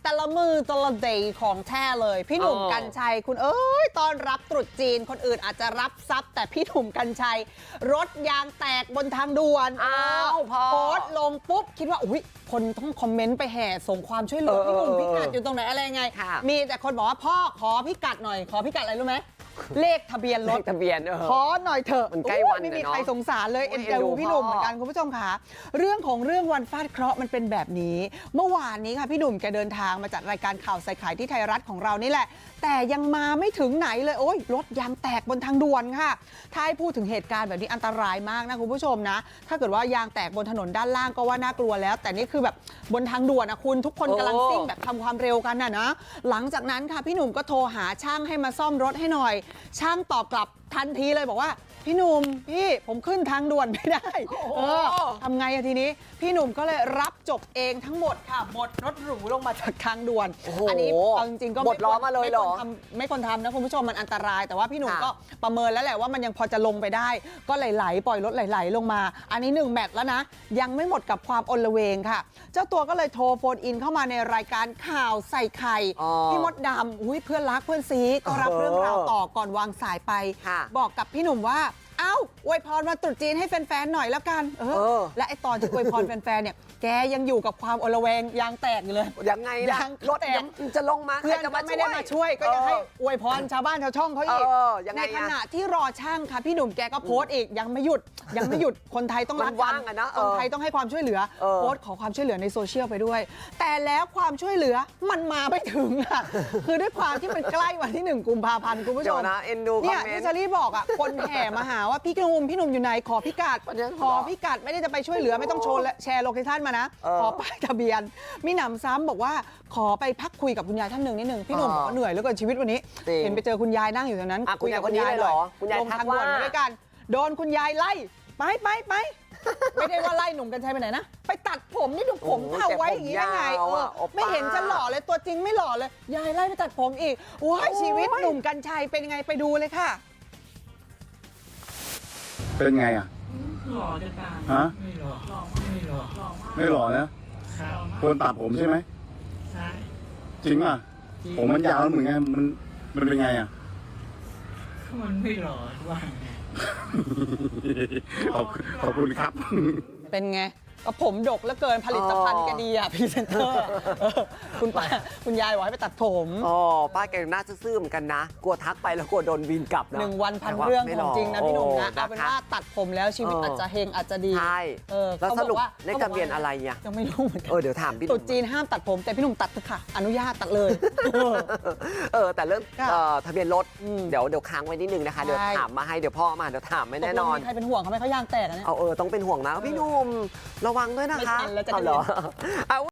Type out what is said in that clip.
แต่ละมือแต่ละเดย์ของแท้เลยพี่หนุ่มกรรชัยคุณเอ้ยต้อนรับตรุษจีนคนอื่นอาจจะรับทรัพย์แต่พี่หนุ่มกรรชัยรถยางแตกบนทางด่วนโพสต์ลงปุ๊บคิดว่าอุ้ยคนต้องคอมเมนต์ไปแห่ส่งความช่วยเหลือพี่หนุ่มพิกัดอยู่ตรงไหนอะไรไงมีแต่คนบอกว่าพ่อขอพิกัดหน่อยขอพิกัดอะไรรู้ไหมเลขทะเบียนรถทะเบียนขอหน่อยเถอะมันใกล้วันไม่มีใครสงสารเลยเอ็นดูพี่หนุ่มเหมือนกันคุณผู้ชมค่ะเรื่องของเรื่องวันฟาดเคราะห์มันเป็นแบบนี้เมื่อวานนี้ค่ะพี่หนุ่มแกเดินทางมาจัดรายการข่าวใส่ไข่ที่ไทยรัฐของเรานี่แหละแต่ยังมาไม่ถึงไหนเลยโอ้ยรถยางแตกบนทางด่วนค่ะถ้าให้พูดถึงเหตุการณ์แบบนี้อันตรายมากนะคุณผู้ชมนะถ้าเกิดว่ายางแตกบนถนนด้านล่างก็ว่าน่ากลัวแล้วแต่นี่คือแบบบนทางด่วนนะคุณทุกคนกำลังซิ่งแบบทำความเร็วกันนะหลังจากนั้นค่ะพี่หนุ่มก็โทรหาช่างให้มาซ่อมรถให้หน่อยช่างตอบกลับทันทีเลยบอกว่าพี่หนุ่มพี่ผมขึ้นทางด่วนไม่ได้ทำไงอะทีนี้พี่หนุ่มก็เลยรับจบเองทั้งหมดค่ะบดรถหรูลงมาจากทางด่วนอันนี้เอาจริงๆก็บดล้อมาเลยเหรอไม่ควรทำนะคุณผู้ชมมันอันตรายแต่ว่าพี่หนุ่มก็ประเมินแล้วแหละว่ามันยังพอจะลงไปได้ก็ไหลๆปล่อยรถไหลๆลงมาอันนี้1แมตช์แล้วนะยังไม่หมดกับความอลเวงค่ะเจ้าตัวก็เลยโทรโฟนอินเข้ามาในรายการข่าวใส่ไข่พี่มดดำเพื่อนรักเพื่อนซีก็รับเรื่องราวต่อก่อนวางสายไปบอกกับพี่หนุ่มว่าเอ้าอวยพรวันตรุษจีนให้แฟนๆหน่อยแล้วกันและไอตอนที่อวยพรแฟนๆเนี่ยแกยังอยู่กับความอลเวงยางแตกอยู่เลยยังไงล่ะรถจะลงมาเพื่อนก็ไม่ได้มาช่วยก็ยังให้อวยพรชาวบ้านชาวช่องเขาอีกในขณะที่รอช่างค่ะพี่หนุ่มแกก็โพสต์อีกยังไม่หยุดคนไทยต้องรักกันคนไทยต้องให้ความช่วยเหลือโพสต์ขอความช่วยเหลือในโซเชียลไปด้วยแต่แล้วความช่วยเหลือมันมาไม่ถึงอ่ะคือด้วยความที่มันใกล้วันที่1 กุมภาพันธ์คุณผู้ชมเนี่ยที่เชอรี่บอกอ่ะคนแห่มาหาว่าพี่หนุ่มอยู่ไหนขอพิกัดไม่ได้จะไปช่วยเหลือไม่ต้องโชว์และแชร์โลเคชั่นมานะขอป้ายทะเบียนมีหนำซ้ำบอกว่าขอไปพักคุยกับคุณยายท่านหนึ่งนิดนึงพี่หนุ่มบอกว่าเหนื่อยแล้วก็ชีวิตวันนี้เห็นไปเจอคุณยายนั่งอยู่ตรงนั้นคุยกับคุณยายเหรอคุณยายทักว่าด้วยกันโดนคุณยายไล่ไปไม่ได้ว่าไล่หนุ่มกันชัยไปไหนนะไปตัดผมนี่ดูผมเท่าไว้อย่างนี้ได้ไงไม่เห็นจะหล่อเลยตัวจริงไม่หล่อเลยยายไล่ไปตัดผมอีกว้ายชีวิตหนุ่มกันชัยเป็นยังไงไปดูเลยค่ะเป็นไงอ่ะหล่อจะตามฮะไม่หล่อนะคนตัดผมใช่ไหมใช่จริงอ่ะผมมันยาวแล้วเหมือนไงมันเป็นไงอ่ะมันไม่หล่อว่าไงขอบคุณครับเป็นไงก็ผมดกแล้วเกินผลิตภัณฑ์แกดีอ่ะพรีเซนเตอร์คุณยายบอกให้ไปตัดผมป้าแกน่าซื่อเหมือนกันนะกลัวทักไปแล้วกลัวโดนวินกลับนะ 1 วันพันเรื่องของจริงนะพี่หนุ่มนะเอาเป็นว่าตัดผมแล้วชีวิตอาจจะเฮงอาจจะดีใช่แล้วสรุปเลขทะเบียนอะไรอ่ะยังไม่รู้เหมือนกันเดี๋ยวถามพี่ตุ๊ดจีนห้ามตัดผมแต่พี่หนุ่มตัดเถอะค่ะอนุญาตตัดเลยแต่เรื่องทะเบียนรถเดี๋ยวค้างไว้นิดนึงนะคะเดี๋ยวถามมาให้เดี๋ยวพ่อมาเดี๋ยวถามไม่แน่นอนใครเป็นห่วงเขาไหมเขายางแตกนะเนี่ยต้องเป็นห่วงนะพี่หนุ่มระวังด้วยนะคะไม่ทันแล้วจะ